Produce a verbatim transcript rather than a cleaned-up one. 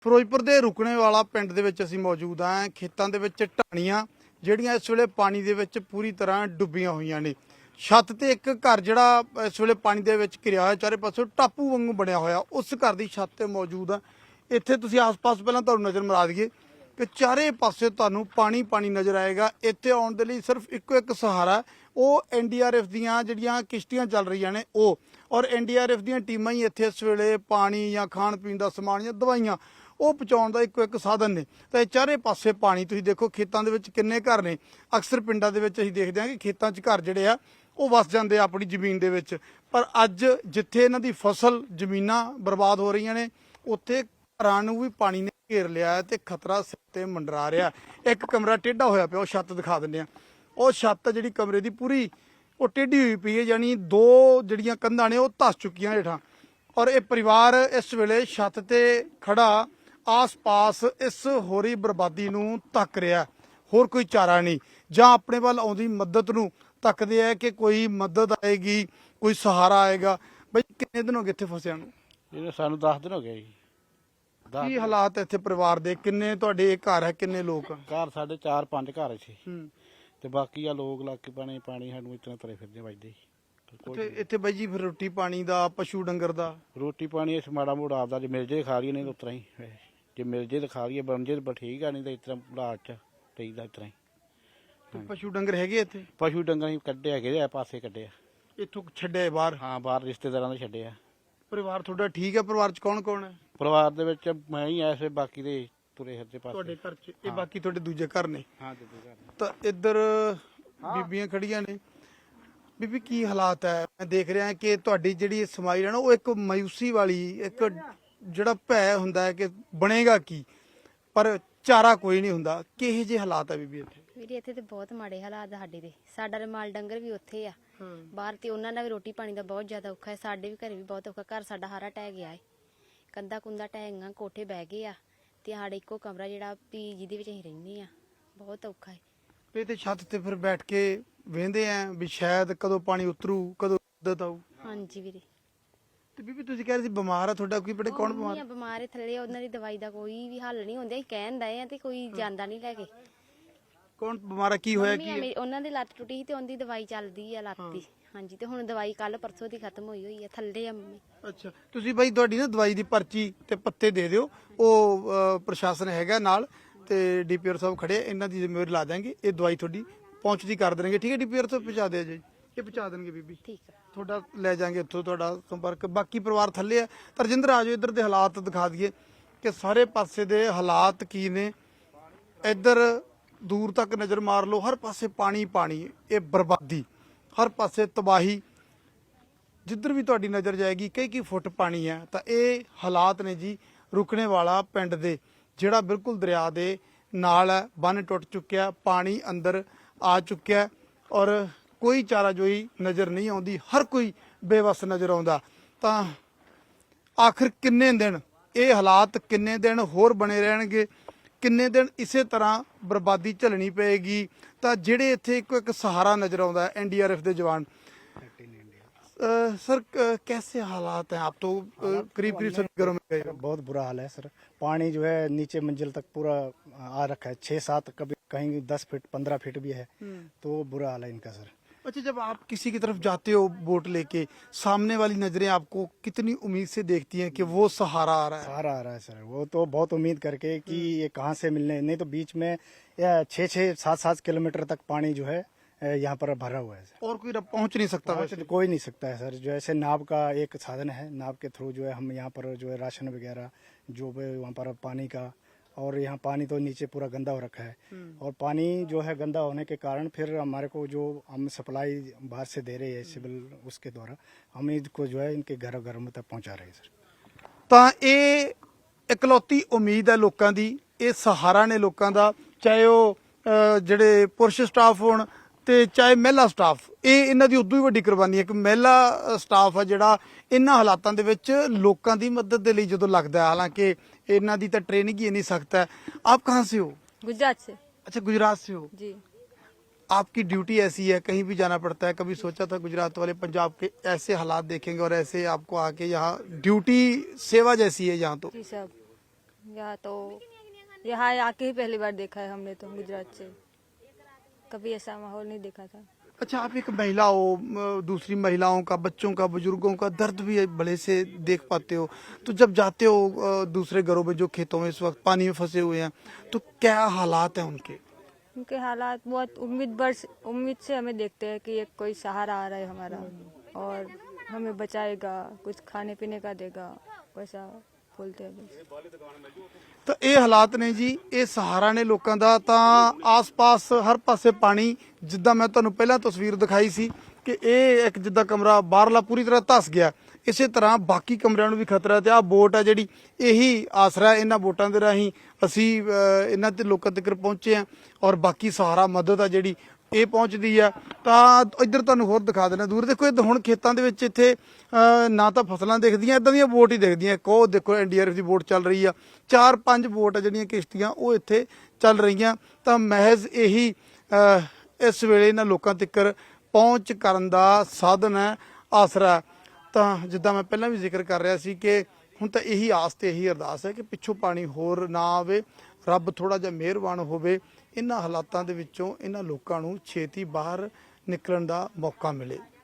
ਫਿਰੋਜ਼ਪੁਰ ਦੇ ਰੁਕਣੇ ਵਾਲਾ ਪਿੰਡ ਦੇ ਵਿੱਚ ਅਸੀਂ ਮੌਜੂਦ ਹਾਂ। ਖੇਤਾਂ ਦੇ ਵਿੱਚ ਢਾਣੀਆਂ ਜਿਹੜੀਆਂ ਇਸ ਵੇਲੇ ਪਾਣੀ ਦੇ ਵਿੱਚ ਪੂਰੀ ਤਰ੍ਹਾਂ ਡੁੱਬੀਆਂ ਹੋਈਆਂ ਨੇ। ਛੱਤ ਤੇ ਇੱਕ ਘਰ ਜਿਹੜਾ ਇਸ ਵੇਲੇ ਪਾਣੀ ਦੇ ਵਿੱਚ ਘਿਰਿਆ ਹੋਇਆ, ਚਾਰੇ ਪਾਸੋਂ ਟਾਪੂ ਵਾਂਗੂ ਬਣਿਆ ਹੋਇਆ, ਉਸ ਘਰ ਦੀ ਛੱਤ ਤੇ ਮੌਜੂਦ ਆ। ਇੱਥੇ ਤੁਸੀਂ ਆਸ-ਪਾਸ ਪਹਿਲਾਂ ਤੁਹਾਨੂੰ ਨਜ਼ਰ ਮਾਰ ਦਈਏ ਕਿ ਚਾਰੇ ਪਾਸੇ ਤੁਹਾਨੂੰ ਪਾਣੀ ਪਾਣੀ ਨਜ਼ਰ ਆਏਗਾ। ਇੱਥੇ ਆਉਣ ਦੇ ਲਈ ਸਿਰਫ ਇੱਕੋ ਇੱਕ ਸਹਾਰਾ, ਉਹ ਐਨ ਡੀ ਆਰ ਐਫ ਦੀਆਂ ਜਿਹੜੀਆਂ ਕਿਸ਼ਤੀਆਂ ਚੱਲ ਰਹੀਆਂ ਨੇ ਉਹ, ਔਰ ਐਨ ਡੀ ਆਰ ਐਫ ਦੀਆਂ ਟੀਮਾਂ ਹੀ ਇੱਥੇ ਇਸ ਵੇਲੇ ਪਾਣੀ ਜਾਂ ਖਾਣ ਪੀਣ ਦਾ ਸਮਾਨ ਜਾਂ ਦਵਾਈਆਂ ਉਹ ਪਹੁੰਚਾਉਣ ਦਾ ਇੱਕੋ ਇੱਕ ਸਾਧਨ ਨੇ। ਤਾਂ ਇਹ ਚਾਰੇ ਪਾਸੇ ਪਾਣੀ, ਤੁਸੀਂ ਦੇਖੋ ਖੇਤਾਂ ਦੇ ਵਿੱਚ ਕਿੰਨੇ ਘਰ ਨੇ। ਅਕਸਰ ਪਿੰਡਾਂ ਦੇ ਵਿੱਚ ਅਸੀਂ ਦੇਖਦੇ ਹਾਂ ਕਿ ਖੇਤਾਂ 'ਚ ਘਰ ਜਿਹੜੇ ਆ ਉਹ ਵਸ ਜਾਂਦੇ ਆ ਆਪਣੀ ਜ਼ਮੀਨ ਦੇ ਵਿੱਚ, ਪਰ ਅੱਜ ਜਿੱਥੇ ਇਹਨਾਂ ਦੀ ਫਸਲ ਜ਼ਮੀਨਾਂ ਬਰਬਾਦ ਹੋ ਰਹੀਆਂ ਨੇ, ਉੱਥੇ ਘਰਾਂ ਨੂੰ ਵੀ ਪਾਣੀ ਨੇ ਘੇਰ ਲਿਆ ਤੇ ਖਤਰਾ ਸਿਰ ਤੇ ਮੰਡਰਾ ਰਿਹਾ। ਇੱਕ ਕਮਰਾ ਟੇਢਾ ਹੋਇਆ ਪਿਆ, ਉਹ ਛੱਤ ਦਿਖਾ ਦਿੰਦੇ ਆ। ਉਹ ਛੱਤ ਜਿਹੜੀ ਕਮਰੇ ਦੀ ਪੂਰੀ ਉਹ ਟੇਢੀ ਹੋਈ ਪਈ ਹੈ, ਯਾਨੀ ਦੋ ਜਿਹੜੀਆਂ ਕੰਧਾਂ ਨੇ ਉਹ ਧੱਸ ਚੁੱਕੀਆਂ ਹੇਠਾਂ। ਔਰ ਇਹ ਪਰਿਵਾਰ ਇਸ ਵੇਲੇ ਛੱਤ ਤੇ ਖੜਾ ਆਸ-ਪਾਸ ਇਸ ਹੋਰੀ ਬਰਬਾਦੀ ਨੂੰ ਤੱਕ ਰਿਹਾ, ਹੋਰ ਕੋਈ ਚਾਰਾ ਨਹੀਂ। ਜਾਂ ਆਪਣੇ ਵੱਲ ਆਉਂਦੀ ਮਦਦ ਨੂੰ ਤੱਕਦੇ ਆ ਕਿ ਕੋਈ ਮਦਦ ਆਏਗੀ, ਕੋਈ ਸਹਾਰਾ ਆਏਗਾ। ਬਈ ਕਿੰਨੇ ਦਿਨ ਹੋ ਗਏ ਇੱਥੇ ਫਸਿਆਂ ਨੂੰ? ਇਹ ਸਾਨੂੰ ਦਸ ਦਿਨ ਹੋ ਗਏ ਜੀ। ਕੀ ਹਾਲਾਤ ਇੱਥੇ ਪਰਿਵਾਰ ਦੇ? ਕਿੰਨੇ ਤੁਹਾਡੇ ਘਰ ਹੈ, ਕਿੰਨੇ ਲੋਕ? ਘਰ ਸਾਡੇ ਚਾਰ ਪੰਜ ਘਰ ਸੀ ਹੂੰ ਤੇ ਬਾਕੀ ਆ ਲੋਕ ਲੱਗ ਕੇ ਪਾਣੀ ਪਾਣੀ ਸਾਨੂੰ ਇਤਨਾ ਤਰੇ ਫਿਰਦੇ ਵੱਜਦੇ ਇੱਥੇ ਇੱਥੇ ਬਾਈ ਜੀ ਫਿਰ ਰੋਟੀ ਪਾਣੀ ਦਾ, ਪਸ਼ੂ ਡੰਗਰ ਦਾ? ਰੋਟੀ ਪਾਣੀ ਇਸ ਮਾੜਾ ਮੋੜਾ ਆਪਦਾ ਜੇ ਮਿਲ ਜੇ ਖਾ ਲਈਏ, ਨਹੀਂ ਤਾਂ ਉਤਰਾ ਹੀ ਜੇ ਮਿਲ ਜੇ ਤਾਂ ਖਾ ਲਈਏ, ਬਣ ਜੇ ਤਾਂ ਠੀਕ ਆ, ਨਹੀਂ ਤਾਂ ਇਸ ਤਰ੍ਹਾਂ ਬਲਾਟ ਚ ਪਈਦਾ ਇਸ ਤਰ੍ਹਾਂ ਹੀ। ਤੇ ਪਸ਼ੂ ਡੰਗਰ ਹੈਗੇ ਇੱਥੇ? ਪਸ਼ੂ ਡੰਗਰ ਹੀ ਕੱਢੇ ਹੈਗੇ ਆ, ਪਾਸੇ ਕੱਢੇ ਆ। ਇੱਥੋਂ ਛੱਡੇ ਬਾਹਰ? ਹਾਂ, ਬਾਹਰ ਰਿਸ਼ਤੇਦਾਰਾਂ ਦੇ ਛੱਡੇ ਆ। ਪਰਿਵਾਰ ਤੁਹਾਡਾ ਠੀਕ ਹੈ? ਪਰਿਵਾਰ ਚ ਕੌਣ ਕੌਣ ਹੈ? ਪਰਿਵਾਰ ਦੇ ਵਿੱਚ ਮੈਂ ਹੀ ਐਸੇ, ਬਾਕੀ ਦੇ ਤੁਰੇ ਫਿਰਦੇ ਤੁਹਾਡੇ ਪਾਸੇ। ਘਰ ਚ ਇਹ ਬਾਕੀ ਤੁਹਾਡੇ ਦੂਜੇ ਘਰ ਨੇ? ਹਾਂ, ਦੂਜੇ ਘਰ ਨੇ। ਤਾਂ ਇੱਧਰ ਬੀਬੀਆਂ ਖੜੀਆਂ ਨੇ। ਬੀਬੀ ਕੀ ਹਾਲਾਤ ਹੈ? ਮੈਂ ਦੇਖ ਰਿਹਾ ਕਿ ਤੁਹਾਡੀ ਜਿਹੜੀ ਸਮਾਈ ਹੈ ਨਾ, ਉਹ ਇੱਕ ਮਾਯੂਸੀ ਵਾਲੀ, ਇੱਕ ਜਿਹੜਾ ਭੈ ਹੁੰਦਾ ਹੈ ਕਿ ਬਣੇਗਾ ਕੀ, ਪਰ ਚਾਰਾ ਕੋਈ ਨਹੀਂ ਹੁੰਦਾ। ਕਿਹੋ ਜਿਹੇ ਹਾਲਾਤ ਹੈ ਬੀਬੀ ਇੱਥੇ? ਵੀਰੇ ਇੱਥੇ ਤੇ ਬਹੁਤ ਮਾੜੇ ਹਾਲਾਤ ਸਾਡੇ ਦੇ। ਸਾਡਾ ਰਮਾਲ ਡੰਗਰ ਵੀ ਉੱਥੇ ਆ ਬਾਹਰ, ਤੇ ਉਹਨਾਂ ਦਾ ਵੀ ਰੋਟੀ ਪਾਣੀ ਦਾ ਬਹੁਤ ਜ਼ਿਆਦਾ ਔਖਾ ਹੈ। ਸਾਡੇ ਵੀ ਘਰੇ ਵੀ ਬਹੁਤ ਔਖਾ। ਘਰ ਸਾਡਾ ਹਾਰਾ ਟਹਿ ਗਿਆ ਹੈ, ਕੰਧਾ ਕੁੰਦਾ ਟਹਿ ਗਈਆਂ, ਕੋਠੇ ਬਹਿ ਗਏ ਆ, ਤੇ ਸਾਡੇ ਇੱਕੋ ਕਮਰਾ ਜਿਹੜਾ ਵੀ ਜਿਹਦੇ ਵਿੱਚ ਅਸੀਂ ਰਹਿੰਦੇ ਆ, ਬਹੁਤ ਔਖਾ ਹੈ। ਇਹ ਤੇ ਛੱਤ ਤੇ ਫਿਰ ਬੈਠ ਕੇ ਵੇਂਦੇ ਆ ਵੀ ਸ਼ਾਇਦ ਕਦੋਂ ਪਾਣੀ ਉਤਰੂ, ਕਦੋਂ ਮਦਦ ਆਊ। ਹਾਂਜੀ ਵੀਰੇ। ਤੇ ਬੀਬੀ ਤੁਸੀਂ ਕਹਿ ਰਹੇ ਸੀ ਬਿਮਾਰ ਆ, ਤੁਹਾਡਾ ਕੋਈ ਬੜੇ ਕੌਣ ਬਿਮਾਰ? ਬਿਮਾਰ ਥੱਲੇ, ਉਹਨਾਂ ਦੀ ਦਵਾਈ ਦਾ ਕੋਈ ਵੀ ਹੱਲ ਨਹੀਂ ਹੁੰਦਾ। ਅਸੀਂ ਕਹਿਣ ਦਏ ਆ ਤੇ ਕੋਈ ਜਾਂਦਾ ਨਹੀਂ ਲੈ ਕੇ। ਕੌਣ ਬਿਮਾਰ ਆ? ਕੀ ਹੋਇਆ? ਕੀ ਮੇਰੀ ਉਹਨਾਂ ਦੀ ਲੱਤ ਟੁੱਟੀ ਸੀ ਤੇ ਉਹਦੀ ਦਵਾਈ ਚੱਲਦੀ ਆ ਲੱਤ ਦੀ। ਹਾਂਜੀ, ਤੇ ਹੁਣ ਦਵਾਈ ਕੱਲ ਪਰਸੋਂ ਦੀ ਖਤਮ ਹੋਈ ਹੋਈ ਆ। ਥੱਲੇ ਆ ਮੰਮੀ। ਅੱਛਾ, ਤੁਸੀਂ ਬਾਈ ਤੁਹਾਡੀ ਨਾ ਦਵਾਈ ਦੀ ਪਰਚੀ ਤੇ ਪੱਤੇ ਦੇ ਦਿਓ, ਉਹ ਅਹ, ਪ੍ਰਸ਼ਾਸਨ ਹੈਗਾ ਨਾਲ ਤੇ ਡੀ ਪੀ ਆਰ ਸਾਹਿਬ ਖੜੇ, ਇਹਨਾਂ ਦੀ ਜ਼ਿੰਮੇਵਾਰੀ ਲਾ ਦਾਂਗੇ। ਇਹ ਦਵਾਈ ਤੁਹਾਡੀ ਪਹੁੰਚਦੀ ਕਰ ਦੇਣਗੇ, ਠੀਕ ਹੈ? ਡੀ ਪੀ ਆਰ ਸਾਹਿਬ ਪਹੁੰਚਾ ਦਿਓ ਜੀ, ਇਹ ਪਹੁੰਚਾ ਦੇਣਗੇ ਬੀਬੀ। ਠੀਕ ਆ, ਤੁਹਾਡਾ ਲੈ ਜਾਾਂਗੇ ਇੱਥੋਂ ਤੁਹਾਡਾ ਸੰਪਰਕ। ਬਾਕੀ ਪਰਿਵਾਰ ਥੱਲੇ ਆ। ਤਰਜਿੰਦਰ ਆ ਜਾਓ, ਇੱਧਰ ਦੇ ਹਾਲਾਤ ਦਿਖਾ ਦਈਏ ਕਿ ਸਾਰੇ ਪਾਸੇ ਦੇ ਹਾਲਾਤ ਕੀ ਨੇ। ਇੱਧਰ ਦੂਰ ਤੱਕ ਨਜ਼ਰ ਮਾਰ ਲਓ, ਹਰ ਪਾਸੇ ਪਾਣੀ ਪਾਣੀ, ਇਹ ਬਰਬਾਦੀ, ਹਰ ਪਾਸੇ ਤਬਾਹੀ। ਜਿੱਧਰ ਵੀ ਤੁਹਾਡੀ ਨਜ਼ਰ ਜਾਏਗੀ ਕਈ ਕਈ ਫੁੱਟ ਪਾਣੀ ਹੈ। ਤਾਂ ਇਹ ਹਾਲਾਤ ਨੇ ਜੀ ਰੁਕਣੇ ਵਾਲਾ ਪਿੰਡ ਦੇ, ਜਿਹੜਾ ਬਿਲਕੁਲ ਦਰਿਆ ਦੇ ਨਾਲ ਹੈ। ਬੰਨ ਟੁੱਟ ਚੁੱਕਿਆ, ਪਾਣੀ ਅੰਦਰ ਆ ਚੁੱਕਿਆ, ਔਰ ਕੋਈ ਚਾਰਾਜੋਈ ਨਜ਼ਰ ਨਹੀਂ ਆਉਂਦੀ। ਹਰ ਕੋਈ ਬੇਵੱਸ ਨਜ਼ਰ ਆਉਂਦਾ। ਤਾਂ ਆਖਿਰ ਕਿੰਨੇ ਦਿਨ ਇਹ ਹਾਲਾਤ, ਕਿੰਨੇ ਦਿਨ ਹੋਰ ਬਣੇ ਰਹਿਣਗੇ? ਕਿੰਨੇ ਦਿਨ ਇਸੇ ਤਰ੍ਹਾਂ ਬਰਬਾਦੀ ਝੱਲਣੀ ਪਏਗੀ? ਤਾਂ ਜਿਹੜੇ ਇੱਥੇ ਇੱਕੋ ਇੱਕ ਸਹਾਰਾ ਨਜ਼ਰ ਆਉਂਦਾ ਹੈ, ਐਨ ਡੀ ਆਰ ਐਫ ਦੇ ਜਵਾਨ। सर कैसे हालात हैं? आप तो करीब करीब सभी घरों में गए हो। बहुत बुरा हाल है सर। पानी जो है नीचे मंजिल तक पूरा आ रखा है, छः सात, कभी कहीं दस फीट पंद्रह फीट भी है, तो बुरा हाल है इनका सर। अच्छा, जब आप किसी की तरफ जाते हो बोट लेके, सामने वाली नजरें आपको कितनी उम्मीद से देखती हैं कि वो सहारा आ रहा है? सहारा आ रहा है सर, वो तो बहुत उम्मीद करके कि ये कहाँ से मिलने, नहीं तो बीच में छः छः सात सात किलोमीटर तक पानी जो है यहाँ पर भरा हुआ है सर। और कोई पहुंच नहीं सकता? पहुंच कोई नहीं सकता है सर। जो ऐसे नाव का एक साधन है, नाव के थ्रू जो है हम यहाँ पर जो है राशन वगैरह जो भी वहाँ पर पानी का, और यहाँ पानी तो नीचे पूरा गंदा हो रखा है, और पानी जो है गंदा होने के कारण फिर हमारे को जो हम सप्लाई बाहर से दे रहे हैं सिविल, उसके द्वारा हम इसको जो है इनके घर घर में तक पहुँचा रहे हैं सर। ਤਾਂ ਇਹ ਇਕਲੌਤੀ ਉਮੀਦ ਹੈ ਲੋਕਾਂ ਦੀ, ਇਹ ਸਹਾਰਾ ਨੇ ਲੋਕਾਂ ਦਾ, ਚਾਹੇ ਉਹ ਅਹ, ਜਿਹੜੇ ਪੁਰਸ਼ ਸਟਾਫ ਹੋਣ ਤੇ ਚਾਹੇ ਮਹਿਲਾ ਸਟਾਫ। ਇਹ ਇਹਨਾਂ ਦੀ ਉਦੋਂ ਹੀ ਵੱਡੀ ਕੁਰਬਾਨੀ ਹੈ ਕਿ ਮਹਿਲਾ ਸਟਾਫ ਆ ਜਿਹੜਾ ਇਹਨਾਂ ਹਾਲਾਤਾਂ ਦੇ ਵਿੱਚ ਲੋਕਾਂ ਦੀ ਮਦਦ ਦੇ ਲਈ ਜਦੋਂ ਲੱਗਦਾ ਹੈ। ਹਾਲਾਂਕਿ ਇਹਨਾਂ ਦੀ ਤਾਂ ट्रेनिंग ही नहीं सकता है। आप कहाँ से हो? गुजरात से। अच्छा, गुजरात से हो जी। आपकी ड्यूटी ऐसी है, कहीं भी जाना पड़ता है? कभी सोचा था गुजरात वाले पंजाब के ऐसे हालात देखेंगे और ऐसे आपको आके यहाँ ड्यूटी सेवा जैसी है यहाँ? तो जी साहब। यहाँ तो यहाँ आके ही पहली बार देखा है हमने तो गुजरात से, कभी ऐसा माहौल नहीं देखा था। अच्छा, आप एक महिला हो, अ, दूसरी महिलाओं का, बच्चों का, बुजुर्गों का दर्द भी भले से देख पाते हो, तो जब जाते हो अ, दूसरे घरों में जो खेतों में इस वक्त पानी में फंसे हुए हैं, तो क्या हालात हैं उनके? उनके हालात बहुत उम्मीद बर्स उम्मीद से हमें देखते हैं कि एक कोई सहारा आ रहा है हमारा और हमें बचाएगा, कुछ खाने पीने का देगा, वैसा बोलते हैं बस। ਤਾਂ ਇਹ ਹਾਲਾਤ ਨੇ ਜੀ, ਇਹ ਸਹਾਰਾ ਨੇ ਲੋਕਾਂ ਦਾ। ਤਾਂ ਆਸ-ਪਾਸ ਹਰ ਪਾਸੇ ਪਾਣੀ, ਜਿੱਦਾਂ ਮੈਂ ਤੁਹਾਨੂੰ ਪਹਿਲਾਂ ਤਸਵੀਰ ਦਿਖਾਈ ਸੀ ਕਿ ਇਹ ਇੱਕ ਜਿੱਦਾਂ ਕਮਰਾ ਬਾਹਰਲਾ ਪੂਰੀ ਤਰ੍ਹਾਂ ਧਸ ਗਿਆ, ਇਸੇ ਤਰ੍ਹਾਂ ਬਾਕੀ ਕਮਰਿਆਂ ਨੂੰ ਵੀ ਖਤਰਾ। ਤੇ ਆਹ ਬੋਟ ਆ ਜਿਹੜੀ, ਇਹੀ ਆਸਰਾ, ਇਹਨਾਂ ਬੋਟਾਂ ਦੇ ਰਾਹੀਂ ਅਸੀਂ ਅ, ਇਹਨਾਂ ਤੇ ਲੋਕਾਂ ਤੱਕ ਪਹੁੰਚੇ ਆ ਔਰ ਬਾਕੀ ਸਹਾਰਾ ਮਦਦ ਆ ਜਿਹੜੀ ਇਹ ਪਹੁੰਚਦੀ ਆ। ਤਾਂ ਇੱਧਰ ਤੁਹਾਨੂੰ ਹੋਰ ਦਿਖਾ ਦੇਣਾ ਦੂਰ, ਦੇਖੋ ਇਹ ਹੁਣ ਖੇਤਾਂ ਦੇ ਵਿੱਚ ਇੱਥੇ ਅ, ਨਾ ਤਾਂ ਫਸਲਾਂ ਦਿਖਦੀਆਂ, ਇਦਾਂ ਦੀਆਂ ਬੋਟ ਹੀ ਦਿਖਦੀਆਂ। ਇੱਕ ਉਹ ਦੇਖੋ ਐਨ ਡੀ ਆਰ ਐਫ ਦੀ ਬੋਟ ਚੱਲ ਰਹੀ ਆ, ਚਾਰ ਪੰਜ ਬੋਟ ਆ ਜਿਹੜੀਆਂ ਕਿਸ਼ਤੀਆਂ ਉਹ ਇੱਥੇ ਚੱਲ ਰਹੀਆਂ। ਤਾਂ ਮਹਿਜ਼ ਇਹੀ ਅ, ਇਸ ਵੇਲੇ ਇਹਨਾਂ ਲੋਕਾਂ ਤੱਕ ਪਹੁੰਚ ਕਰਨ ਦਾ ਸਾਧਨ ਹੈ, ਆਸਰਾ। ਤਾਂ ਜਿੱਦਾਂ ਮੈਂ ਪਹਿਲਾਂ ਵੀ ਜ਼ਿਕਰ ਕਰ ਰਿਹਾ ਸੀ ਕਿ ਹੁਣ ਤਾਂ ਇਹੀ ਆਸ ਤੇ ਇਹੀ ਅਰਦਾਸ ਹੈ ਕਿ ਪਿੱਛੋਂ ਪਾਣੀ ਹੋਰ ਨਾ ਆਵੇ, ਰੱਬ ਥੋੜਾ ਜਿਹਾ ਮਿਹਰਬਾਨ ਹੋਵੇ, ਇਹਨਾਂ ਹਾਲਾਤਾਂ ਦੇ ਵਿੱਚੋਂ ਇਹਨਾਂ ਲੋਕਾਂ ਨੂੰ ਛੇਤੀ ਬਾਹਰ ਨਿਕਲਣ ਦਾ ਮੌਕਾ ਮਿਲੇ।